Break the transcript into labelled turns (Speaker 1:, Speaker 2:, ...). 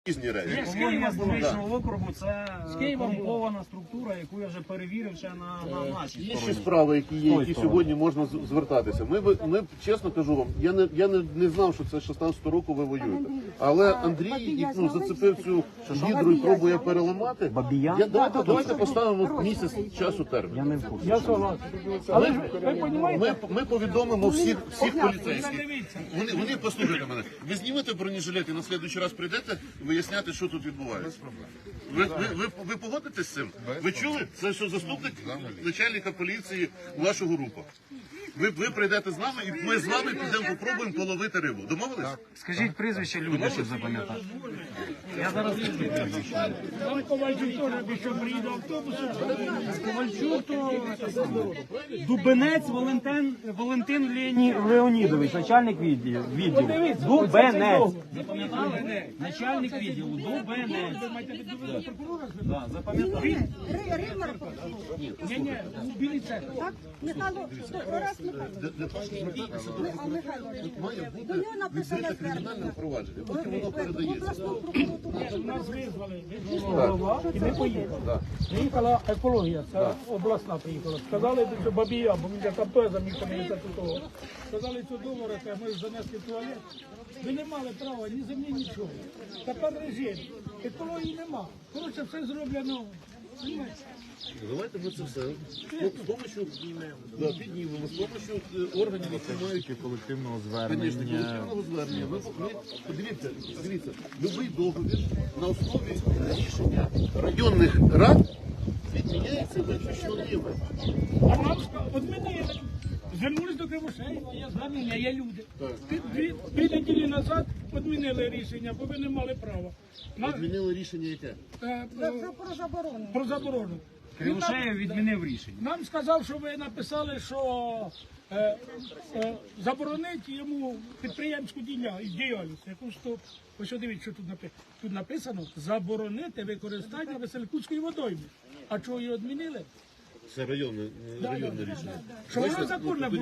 Speaker 1: Різні речі.
Speaker 2: З Києва, з Дільничного округу, це корумпована структура, яку я вже перевірив ще на нашій
Speaker 1: Є ще
Speaker 2: стороні.
Speaker 1: справи, які є, які сьогодні можна звертатися. Ми чесно кажу вам, я не знав, що це 16 року ви воюєте. Але Андрій зацепив цю гідру і пробує переламати. Давайте поставимо місяць часу термін. Ми повідомимо всіх поліцейських. Вони послухайте мене. Ви знімете бронежилет і на слідуючий раз прийдете виясняти, що тут відбувається. Ви погодитесь з цим? Ви чули? Це що заступник начальника поліції вашого групу. Ви прийдете з нами і ми з вами підемо попробуємо половити рибу. Домовились?
Speaker 2: Скажіть прізвище люди, щоб запам'ятати. Я зараз
Speaker 3: Там Ковальчук теж пішов, приїде автобусом.
Speaker 2: Ковальчук, то Дубенець Валентин Леонідович, начальник відділу. Дубенець. Запам'ятали? Начальник відділу. Дубенець. Да, запам'ятали.
Speaker 3: Ні, у Білій церкві.
Speaker 4: Так? Михайло, раз Михайло,
Speaker 1: Має бути
Speaker 4: до нього написано
Speaker 1: відкрите кримінальне провадження, потім воно
Speaker 4: в
Speaker 1: передається.
Speaker 4: обласну прокуратуру.
Speaker 3: Нас визвали голова, і ми поїхали. Приїхала екологія, це обласна приїхала. Сказали, що Бабія, бо він там теж замітив того. Сказали, що долари, ми занесли в туалет. Ви не мали права, ні землі, нічого. Тепер режим. Екології нема. Коротше, все зроблено.
Speaker 1: Давайте ми це все з помощью піднімемо, з помощью органів, які мають
Speaker 5: колективного
Speaker 1: Конечно, колективного звернення. Подивіться, любий договір на основі рішення районних рад відміняється виключно.
Speaker 3: А нам відмінили. Звернулись до Кривошеєва, є звернення, є люди. Дві неділі назад відмінили рішення, бо ви не мали права.
Speaker 1: Відмінили рішення яке?
Speaker 4: Про заборону.
Speaker 3: Про заборону.
Speaker 2: Кривошеєв відмінив рішення.
Speaker 3: Нам сказав, що ви написали, що заборонить йому підприємську діяльність. Ось дивіться, що тут написано. Заборонити використання Веселькутської водойми. А чого її відмінили?
Speaker 1: Це районне рішення.
Speaker 3: Що воно законне було.